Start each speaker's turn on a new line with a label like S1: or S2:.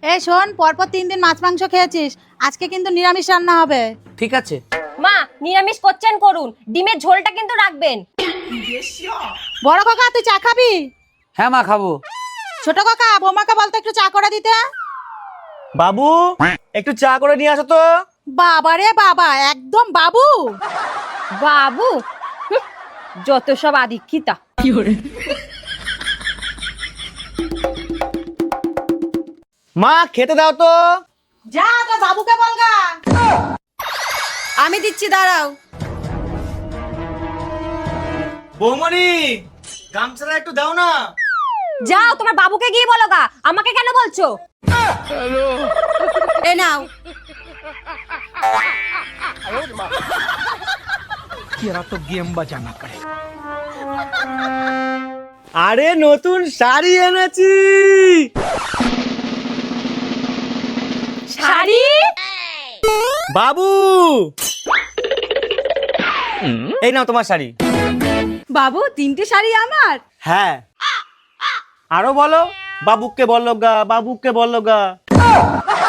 S1: এই শোন, পরপর 3 দিন মাছ মাংস খেয়েছিস, আজকে কিন্তু নিরামিষ রান্না হবে।
S2: ঠিক আছে।
S3: মা, নিরামিষ করছেন করুন, ডিমের ঝোলটা কিন্তু রাখবেন।
S1: বড় কাকা, তুই চা খাবি?
S2: হ্যাঁ মা, খাবো।
S1: ছোট কাকা, বৌমাকে বলতো একটু চা করে দিতে।
S4: বাবু একটু চা করে নিয়ে আসো তো।
S1: বাবা রে বাবা, একদম বাবু।
S3: বাবু, হুঁ, যত সব আদিক্ষিতা।
S4: মা খেতে দাও তো।
S1: যা তো বাবুকে বলগা।
S3: আমি দিচ্ছি, দাঁড়াও।
S4: বৌমনি গামছাটা একটু দাও না।
S3: যাও, তোমার বাবুকে গিয়ে বলো গা, আমাকে কেন বলছো? এ নাও।
S4: আরে নতুন শাড়ি এনেছি।
S3: শাড়ি?
S4: বাবু এই নাও তোমার শাড়ি।
S1: বাবু, 3টে শাড়ি আমার?
S4: হ্যাঁ, আরো বলো। বাবুকে বললো গা, বাবুকে বললো গা।